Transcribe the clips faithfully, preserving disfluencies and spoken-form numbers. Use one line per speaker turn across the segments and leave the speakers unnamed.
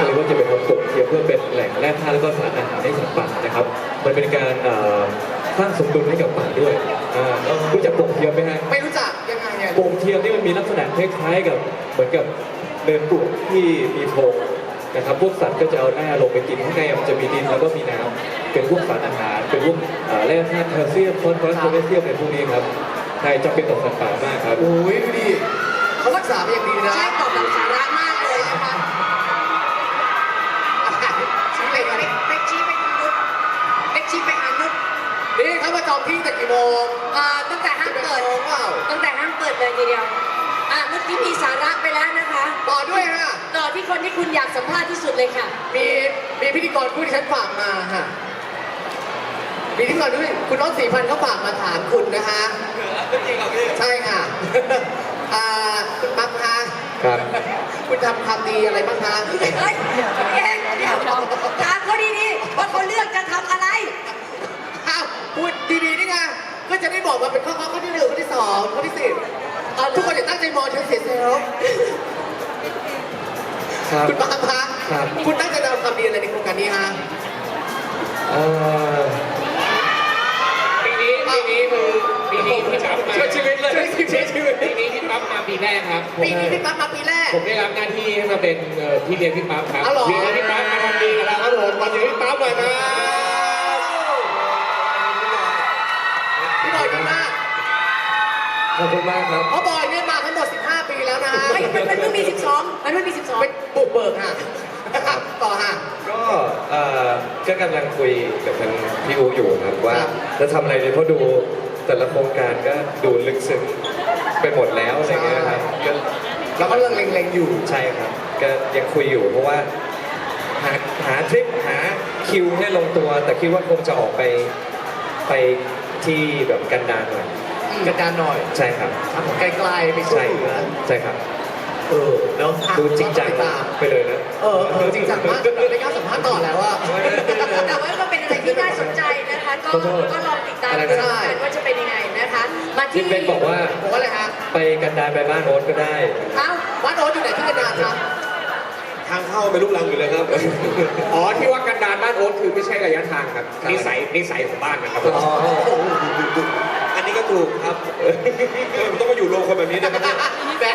เลยว่าจะเป็นคนปลูกเทียมเพื่อเป็นแหล่งแร่ธาตุและก็สารอาหารให้สัตว์ป่านะครับมันเป็นการสร้างสมดุลให้กับป่าด้วยรู้จักปลูกเทียมไหมฮะ
ไม่รู้จักยังไงเนี่ย
ปลูกเทียมนี่มันมีลักษณะคล้ายๆกับเหมือนกับเดินปลูกที่มีโพรงนะครับพวกสัตว์ก็จะเอาหน้าลงไปกินข้างในมันจะมีดินแล้วก็มีน้ำเป็นพวกสารอาหารเป็นพวกแร่ธาตุแคลเซียมฟอสฟอรัสโพแทสเซียมในพวกนี้ครับใช่จำเป็นต่อสัตว์ป่ามากครับ
โอ้ยดูดิเขารักษาเป็นอย่างดีนะ
ใช่ตอบแบบสาระมากเลยนะคะ
ชี้เลยครับ
เบกชี้ไปทางนุชเบกชี้ไปทางนุช
นี่เขามาจองที่แต่กี่โมง
อ่าตั้งแต่ห้างเปิดตั้งแต่ห้างเปิดเลยทีเดียวอ่ะเมื่อกี้มีสาระไปแล้วนะคะ
ต่อด้วยฮะ
ต่อที่คนที่คุณอยากสัมภาษณ์ที่สุดเลยค่ะ
มีมีพิธีกรผู้ที่ฉันฝากมาฮะมีพิธีกรด้วยคุณน้องสีพันธ์เขาฝากมาถามคุณนะคะจริงเหรอพี่ใช่ค่ะอ่าคุณปั๊บคะ
ครับ
คุณทำความดีอะไรบ้างคะ
เฮ้ยเองเดี๋ยวถามเขาดีๆว่าเขาเลือกจะทำอะไร
อ้าวพูดดีๆนี่ไงก็จะได้บอกว่าเป็นข้อข้อที่หนึ่งข้อที่สองข้อที่สิบทุกคนจะตั้งใจมองฉันเสียเซลล์คุณปั๊บคะคุณตั้งใจจะทำดีอะไรในโครงการนี้ฮะ
ปีนี้ปีนี้คือปีนี้พี่ปั๊บมา
ช่วยชีวิตเลยช่วยชีวิต
ปีนี้พี่ปั๊บมาปีแรกครับ
ปีนี้พี่ปั๊บมาปีแรก
ผมได้รับหน้าที่ให้มาเป็นพี่เลี้ยงพี่ปั๊บครับพี่เลี้ยงพี่ปั๊บมาทำดีกับเราครับผมมาถึงพี่ปั๊บหน่อยมา
พี่บอยดีมาก
ขอบคุณมากครับ
เพราะบอยเนี่ยมาทั้งหมดสิบห้าปีแล้วนะฮะ
มันมันเพิ่งมีสิบสองมันเพิ่งมีสิบสอง
เป็นบุกเบิกฮะต่อฮะ
ก็เอ่อก็กำลังคุยกับทางพี่อูอยู่ครับว่าจะทำอะไรดีเพราะดูแต่ละโครงการก็ดูลึกซึ้งไปหมดแล้วอะไรเงี้ยครับก็
เราก็เรื่องเล็งๆอยู่
ใช่ครับก็ยังคุยอยู่เพราะว่าหาหาทริปหาคิวให้ลงตัวแต่คิดว่าคงจะออกไปไปที่แบบกันดารหน่อย
กันดารหน่อย
ใช่ครับ
ทำไกลๆไปช่วยเหลือ
ใช่ครับ
เออเนาะ
ดูจริงจังไปเลยนะ
เออเออจริงจังมากไม่กล้าสัมภาษณ์ต่อแล้วว่า
แต่ว่าก็เป็นอะไรที่น่าสนใจนะคะก็ก็ลองติดตามดูกันว่าจะเป็นยังไงนะคะมาที่
เป็นบอกว่า
บอกว่าอะไรฮะ
ไปกันดารไปบ้านโอ๊ตก็ได้
เอ้า
บ้านโอ๊ตอยู่ไหนที่กันดารครับ
ทางเข้าไปลูกลังอยู่เลยครับ
อ๋อที่ว่ากันดารบ้านโอ๊ตคือไม่ใช่ระยะทางครับนิสัยนิสัยของบ้านนะครับ
อันนี้ก็ถูกครับต้องมาอยู่โรงคนแบบนี้นะครับ
แต่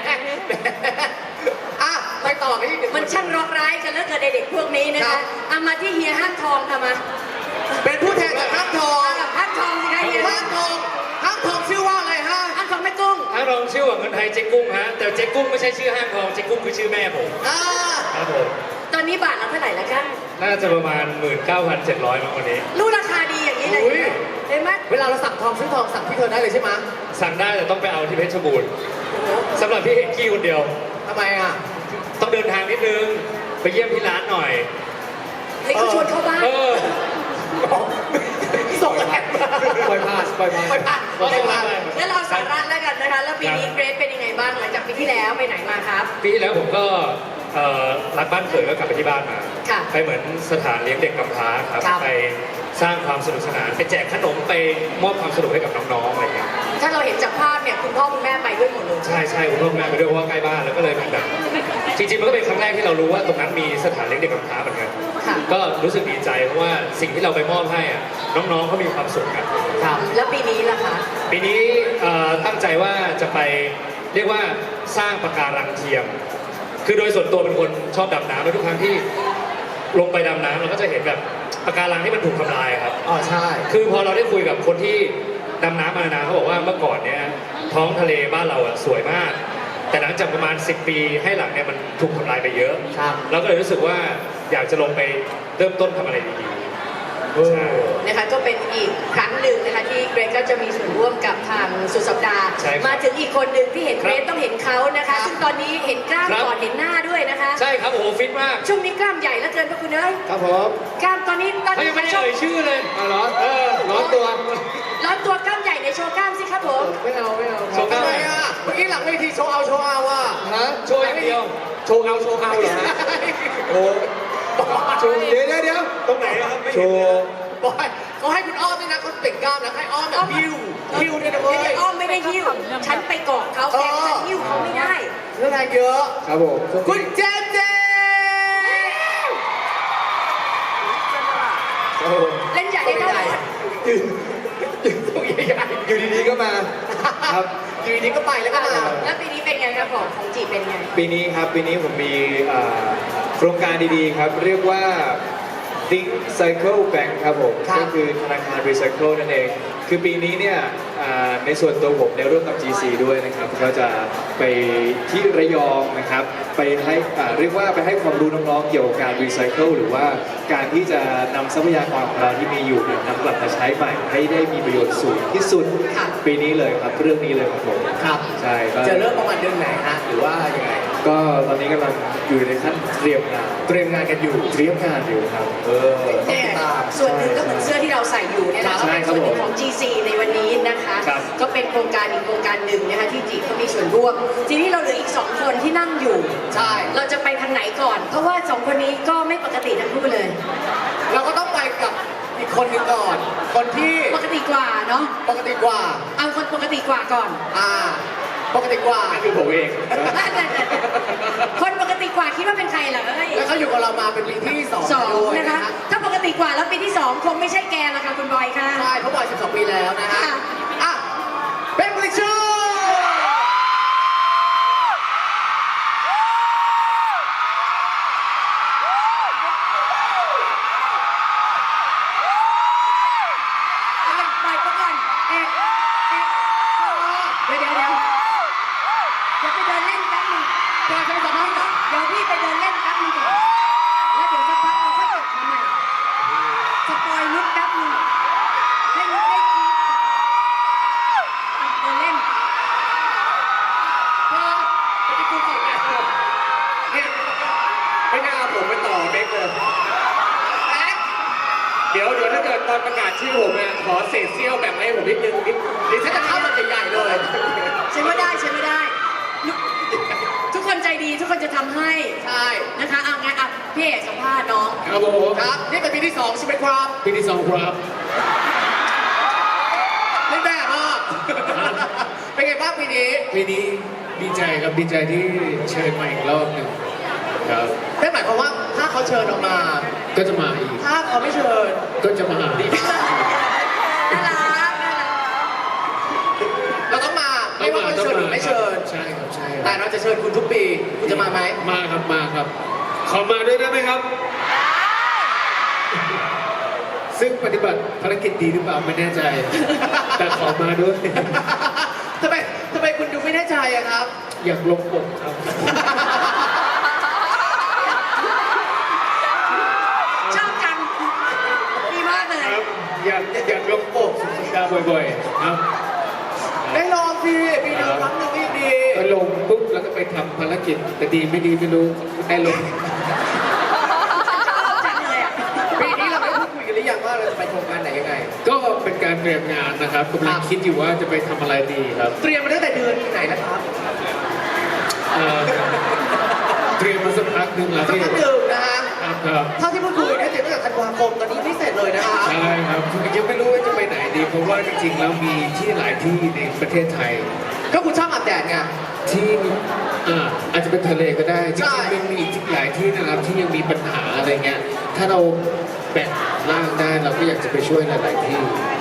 อ่ะไปต่อกันที่
มันช่างร้องร้ายกันแล้วเกิดเด็กพวกนี้นะคะเอามาที่เฮียห้างทองค่ะมา
เป็นผู้แทนจากห้างทอง
ห้างทองสิคะเฮีย
ห้างทองห้างทองชื่อว่าอะไรฮะ
ห้างทองแม่กุ้ง
ห้างทองชื่อว่าเงินไทยเจ๊กุ้งฮะแต่เจ๊กุ้งไม่ใช่ชื่อห้างทองเจ๊กุ้งคือชื่อแม่ผมครับผม
ตอนนี้บาทละเท่าไหร่ละกัน
น่าจะประมาณ หนึ่งหมื่นเก้าพันเจ็ดร้อย มั้งวันนี้
รู้ราคาดีอย่างนี้เลยเห็นไหม
เวลาเราสั่งทองซื้อทองสั่งที่เธอได้เลยใช่ไหม
สั่งได้แต่ต้องไปเอาที่เพชรบูรณ์สำหรับพี่เอกกี้คนเดียว
ทำไมอ่ะ
ต้องเดินทางนิดนึงไปเยี่ยมที่ร้านหน่อย
ให้เขาชวนเข้าบ้าน
ส่งแรงปล่อยผ่านปล่อยผ่านปล่อยผ่านปล่อยผ่าน
แล้วเราสาระแล้วกันนะคะแล้วปีนี้เกรซเป็นยังไงบ้างหลังจากปีที่แล้วไปไหนมาครับ
ปีที่แล้วผมก็รักบ้านเกิดก็กลับไปที่บ้านมาไปเหมือนสถานเลี้ยงเด็กกำพร้าครับไปสร้างความสนุกสนานไปแจกขนมไปมอบความสนุกให้กับน้องๆอะไรเงี้ย
ถ้าเราเห็นจากภาพเนี่ยคุณพ่อคุณแม่ไปด้วยหมดเลย
ใช่ใช่คุณพ่อคุณแม่ไปด้วยเพราะว่าใกล้บ้านแล้วก็เลยแบบจริงๆมันก็เป็นครั้งแรกที่เรารู้ว่าตรงนั้นมีสถานเลี้ยงเด็กกำพร้าเหมือนกันก็รู้สึกดีใจเพราะว่าสิ่งที่เราไปมอบให้อ่ะน้องๆเขามีความสุขกัน
ครับแล้วปีนี้ล่ะคะ
ปีนี้ตั้งใจว่าจะไปเรียกว่าสร้างปะการังเทียมคือโดยส่วนตัวเป็นคนชอบดำน้ำและทุกครั้งที่ลงไปดำน้ำเราก็จะเห็นแบบปะการังที่มันถูกทำลายครับ
อ๋อใช่
คือพอเราได้คุยกับคนที่ดำน้ำมานานเขาบอกว่าเมื่อก่อนเนี่ยท้องทะเลบ้านเราอ่ะสวยมากแต่หลังจากประมาณสิบปีให้หลังเนี่ยมันถูกทำลายไปเยอะเราก็เลยรู้สึกว่าอยากจะลงไปเริ่มต้นทำอะไรดีๆ
นะคะก็เป็นอีกครั้งหนึ่งนะคะที่เกรซก็จะมีส่วนร่วมกับทางสุดสัปดาห์มาถึงอีกคนหนึ่งที่เห็นเกรซต้องเห็นเขานะคะซึ่งตอนนี้เห็นกล้ามก่อนเห็นหน้าด้วยนะคะ
ใช่ครับโอ้โหฟิตมาก
ช่วงนี้กล้ามใหญ่แล้วเกินพระคุณเอ้ย
ครับผม
กล้ามตอนนี้ตอน
นี้ไม่ได้เอ่ยชื่อเลย
อ๋อเหรอเออร้อนตัว
ร้อนตัวกล้ามใหญ่ในโชว์กล้ามสิครับผม
ไม่เอาไม่เอา
โชว์กล้าม
อะไรอ่ะเมื่อกี้หลังเวทีโชว์เอาโชว์เอาอ่ะ
ฮะโชว์อย่างเดียว
โชว์เอาโชว์เอาเหรอโอ้โชว์เดี๋ยวเดี๋ยว
ตรงไหนครับ
โชว์บอยเขาให้คุณอ้อมด้วยนะเขาเปล่งกล้ามนะให้อ้อมแบบฮิวฮิวเนี่ยนะเว้ย
อ้อมไม่ได้ฮิวฉันไปเกาะเขาแต่ฉันฮิวเขาไม่ได้
เรื่องอะไรเยอะ
ครับผม
คุณเจเจ
ได้ได้
ยืนยืนตัวใหญ่
อยู่ดีๆก็มาครับ
ๆอยู่ดีๆก็ไปแล้วก็มา
แล้วปีนี้เป็นไงครับของของจีเป็นไง
ปีนี้ครับปีนี้ผมมีอ่าโครงการดีๆครับ เรียกว่า Think Cycle Bank ครับผม
ครับ
ก็คือธนาคาร Recycle นั่นเอง คือปีนี้เนี่ยอ่าในส่วนตัวผมได้ร่วมกับ จี ซี ด้วยนะครับก็จะไปที่ระยองนะครับ ไปให้อ่าเรียกว่าไปให้ความรู้น้องๆเกี่ยวกับการ Recycle หรือว่าการที่จะนำทรัพยากรของเราที่มีอยู่เนี่ยนำกลับมาใช้ใหม่ให้ได้มีประโยชน์สูงที่สุด
ค่ะ
ปีนี้เลยครับเรื่องนี้เลยครับผม
ครับ
ใช่ก็
จะเริ่มประมาณเดือนไหนฮะหรือว่ายังไง
ก็ตอนนี้กำลังอยู่ในขั้นเตรียมงาน
เตรียมงานกันอยู่
เตรียมงานอยู่ครับเออ
เนี่ยส่วนหนึ่งก็เหมือนเสื้อที่เราใส่อยู่เนี่ยนะก็
ใช่
เป็น
ครับ
ส่วนหนึ่ง
ผม
ของ จี ซี ในวันนี้นะคะ
ครับ
ก็เป็นโครงการอีกโครงการหนึ่งนะคะที่จีเขามีส่วนร่วม ทีนี้เราเหลืออีกสองคนที่นั่งอยู่
ใช่
เราจะไปทางไหนก่อน เพราะว่าสองคนนี้ก็ไม่ปกติทั้งคู่เลย
เราก็ต้องไปกับอีกคนหนึ่งก่อน คนที่
ปกติกว่าเนาะ
ปกติกว่า
เอาคนปกติกว่าก่อน
อ่า ปกติกว่า
คือผมเอง
คนปกติกว่าคิดว่าเป็นใครเหรอเอ้ย
แล้วเขาอยู่กับเรามาเป็นปีที่สอง
สอง
ด้วย
นะ
นะคะ คะ
ถ้าปกติกว่าแล้วปีที่สองคงไม่ใช่แกละค่ะคุณบอยค่ะ
ใช่เพราะบ่อยสิบสองปีแล้วนะฮะ
ค่ะ
อ่ะเป็นบริชู
เอาอย่างปล่อยเขาก่อนเอ๊ะเอ๊ะเดี๋ยวเดี๋ยวเดี๋ยวเดี๋ยวไปเดินเล่นแป๊บนึง
ปล่อยเขาไปสัมภาษณ์ก่อน
เดี๋ยวพี่ไปเดินเล่นแป๊บนึงก่อนแล้วเดี๋ยวสักพักเราค่อยกลับมาใหม่สปอยลุกแป๊บนึงให้ลุกได้กรี๊ดอ่ะเดินเล่น
พอไปที่คุณก่อนเนี่ยเนี่ยไม่น่าเอาผมไปต่อเบคเลยแอ๊ะ
เดี๋ยวเดี๋ยวถ้าเกิดตอนประกาศชื่อผมเนี่ยขอเศษเสี้ยวแบ่งให้ผมนิดนึงนิด
เดี๋ยวฉันจะเข้ามันใหญ่ๆเลย
ใช่ไม่ได้ใช่ไม่ได้ลุกทุกคนใจดีทุกคนจะทำให้
ใช่
นะคะเอางั้นอ่ะพี่เอกสัมภาษณ์น้อง
ครับผม
ครับ นี่เป็นปีที่สองใช่ไหมครับ
ปีที่สองครับ
เล่นแบบอ่ะ เป็นไงบ้างปีนี้
ปีนี้ดีใจครับดีใจที่เชิญมาอีกรอบหนึ่งครับ
นั่นหมายความว่าถ้าเขาเชิญออกมา
ก็จะมาอีก
ถ้าเขาไม่เชิญ
ก็จะมาอีก
น่ารักน่ารัก
เราต้องมาไม่ว่าเขาเชิญหรือไม่เชิญ
ใช่ครับใช่ค
แต่
รับ
เราจะเชิญคุณทุกปี คุณจะมาไหม
มาครับมาครับ ขอมาด้วยได้ไหมครับ ซึ่งปฏิบัติภารกิจดีหรือเปล่าไม่แน่ใจ แต่ขอมาด้วย
ทำไมทำไมคุณดูไม่แน่ใจอะครับ
อยากลงปกครับ
ชอบจังดีมากเลย
ครับ อยากอยากลงปกสุดสัปดาห์บ่อยๆ ครับ
ได้ลองสิปีหนึ่งครั้งหนึ่งก็ยังดี
ก็ลงปุ๊บแล้วก็ไปทำภารกิจแต่ดีไม่ดีไม่รู้ได้ลง
ชอบจังเลยอ่ะ
ปีนี้เราได้พูดคุยกันหรือยังว่าเราจะไปโครงการไหนยังไง
ก็เป็นการเตรียมงานนะครับกำลังคิดอยู่ว่าจะไปทำอะไรดีครับ
เตรียมมาตั้งแต่เดือนไหนนะครับ
เอ่อเตรียมมาสักพักหนึ่งแล้ว
สัก
ที่
พักหนึ่งนะฮะ
ครับครับ
เท่าที่พูดคุยเนี่ยเตรียมตั้งแต่ธันวาคมตอนนี้ไม่เสร็จเลยนะคะ
ใช่ครับยังไม่รู้ว่าจะไปไหนดี เพราะว่าจริงๆแล้วมีที่หลายที่ในประเทศไทย
ก็คุณชอบอาบแดดไง
ที่อ่าอาจจะเป็นทะเลก็ได้จ
ใช่
ริงๆมันมีอีกหลายที่นะครับที่ยังมีปัญหาอะไรเงี้ยถ้าเราแบ่งร่างได้เราก็อยากจะไปช่วยหลาย ๆ ที่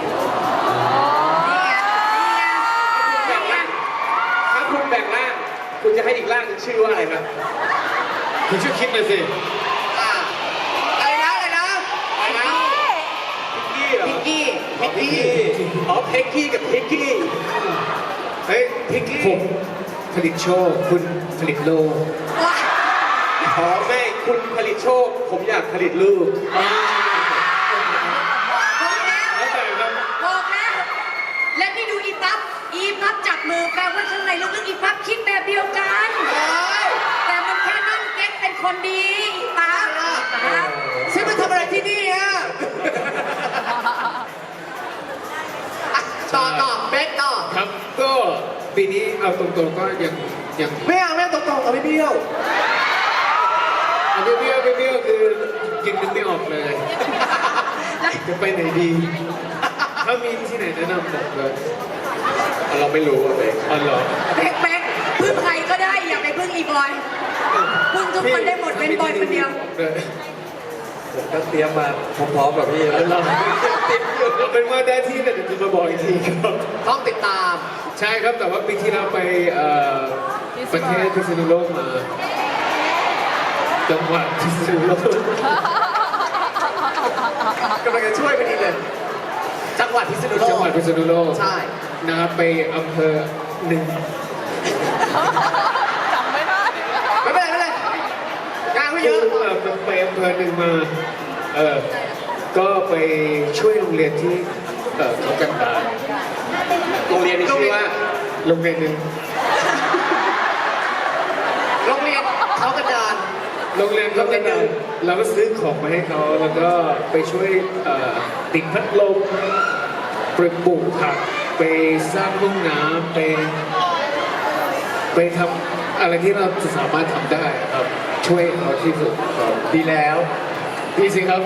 นี่ไงนี่ไง
ถ้าคุณแบ่งร่าง คุณจะให้อีกร่างหนึ่งชื่อว่าอะไรครับ
คุณช่วยคิดหน่อยสิ
อ่าอะไรนะอะไรนะ
อะไรนะพิกกี้เหรอ
พิกกี้
พิกกี้อ๋อเพ็กกี้กับพิกกี้เฮ้ยพิกกี้
ผมผลิตโชคคุณผลิตโลก
ว้า
อ๋อไม่คุณผลิตโชค ผมอยากผลิตลูก
บอกแล้ว
แล้วแต่ครับ
บอกแล้วและนี่ดูอีปั๊บอีปั๊บจับมือแปลว่าข้างในลึกๆอีปั๊บคิดแบบเดียวกัน
เอ้ย
แต่มันแค่นั่งเก๊กเป็นคนดีอีปั๊บนะ
ฉันมาทำอะไรที่นี่ฮะอ่ะต่อต่อเบสต่อ
ครับก็ปีนี้เอาตรงๆก็ยังยัง
ไม่เอาไม่เอาตรงๆเอาไม่เบี้ยว
เอาไม่เบี้ยวไม่เบี้ยวคือยังนึกไม่ออกเลย จะไปไหนดี ถ้ามีที่ไหนแนะนำบอกเลย
เราไม่รู้อะไร
อ๋อเหรอ
แบ๊กแบ๊กพึ่งใครก็ได้อย่าไปพึ่งอีบอยพึ่งทุกคนได้หมดเป็นบอยคนเดียว
เลย
โหผมก็เตรียมมาพร้อมๆกับพี่แล้ว
เราติดอยู่เอาเป็นว่าได้ที่แต่เดี๋ยวจะมาบอกอีกทีครับ
ต้องติดตาม
ใช่ครับแต่ว่าปีที่เราไปเอ่อประเทศพิษณุโลกมาจังหวัดพิษณุโลก
กำลังจะช่วยพอดีเลย จังหวัดพิษณุโลก
จังหวัดพิษณุโลก
ใช่
นะครับไปอำเภอหนึ่ง
ไม่เป็นไรไม่เป็นไรงานไม่เยอะ
เออไปอำเภอหนึ่งมาเออก็ไปช่วยโรงเรียนที่เออเขากันดารโรงเรียนนี้ชื่อว่าโรงเรียนหนึ่ง
โรงเรียนเขากระดาน
โรงเรียนเขากันดารเราก็ซื้อของมาให้เขาแล้วก็ไปช่วยเอ่อติดพัดลมไปปลูกผักไปสร้างห้องน้ำไปไปทำอะไรที่เราจะสามารถทำได้ครับช่วยเขาที่สุดครับดีแล้วดีสิครับ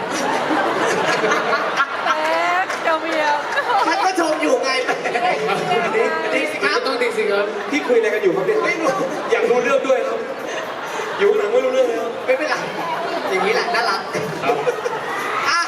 ฉันก็ชมอยู่ไงดีสิครับ
ต้องดีสิครับ
พี่คุยอะไรกันอยู่ครับเนี่ย
ไม่รู้
อยากรู้เรื่องด้วยครับ อยู่ข้างหลังไม่รู้เรื่องเลยครับ
ไม่เป็นไรอย่างนี้แหละน่ารัก
ครับ
อ่ะ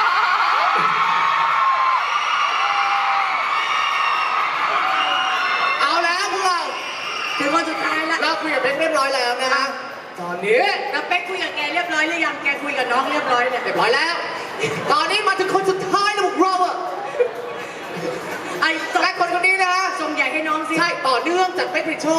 เอาแล้วพวกเรา
ถึงวันสุดท้ายแล้ว
เราคุยกับเบนเรียบร้อยแล้วนะฮะตอนนี้
แล้วเป๊กคุยกับแกเรียบร้อยหรือยังแกคุยกับน้องเรียบร้อยเนี่ย
เรียบร้อยแล้ว ตอนนี้มาถึงคนสุดท้ายแล้วพวกเราอะ
ไอ้
และคนคนนี้นะฮะ
ส่งใหญ่ให้น้องสิ
ใช่ต่อเนื่องจากเป๊กผลิตโชค